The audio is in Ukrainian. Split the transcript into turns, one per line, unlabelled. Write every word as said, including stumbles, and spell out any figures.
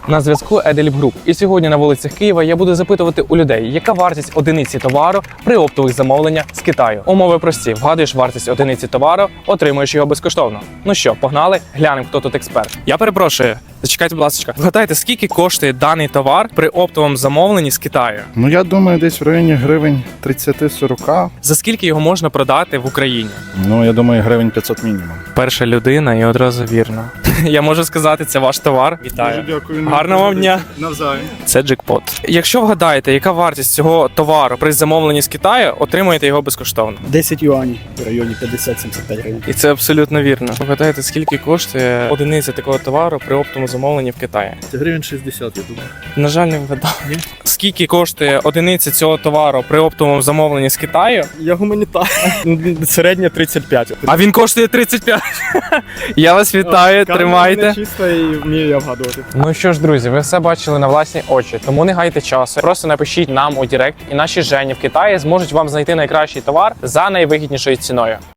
На зв'язку Еделіп Груп. І сьогодні на вулицях Києва я буду запитувати у людей, яка вартість одиниці товару при оптових замовленнях з Китаю. Умови прості. Вгадуєш вартість одиниці товару, отримуєш його безкоштовно. Ну що, погнали? Глянемо, хто тут експерт. Я перепрошую. Зачекайте, будь ласка. Вгадайте, скільки коштує даний товар при оптовому замовленні з Китаю?
Ну, я думаю, десь в районі гривень тридцять-сорок.
За скільки його можна продати в Україні?
Ну, я думаю, гривень п'ятсот мінімум.
Перша людина і одразу вірно. Я можу сказати, це ваш товар. Вітаю.
Дуже дякую.
Гарного вам дня.
Навзаєм.
Це джекпот. Якщо вгадаєте, яка вартість цього товару при замовленні з Китаю, отримуєте його безкоштовно.
десять юаней в районі п'ятдесят-сімдесят п'ять гривень.
І це абсолютно вірно. Вгадайте, скільки коштує одиниця такого товару при оптовому замовленні в Китаї?
Це гривень шістдесят, я думаю.
На жаль, не вгадав. Скільки коштує одиниця цього товару при оптовому замовленні з Китаю?
Я гуманітар. Середня тридцять п'ять.
А він коштує тридцять п'ять. Я вас вітаю, тримайте.
Чисто і вмію я вгадувати.
Ну що ж, друзі, ви все бачили на власні очі, тому не гайте часу. Просто напишіть нам у Директ, і наші Жені в Китаї зможуть вам знайти найкращий товар за найвигіднішою ціною.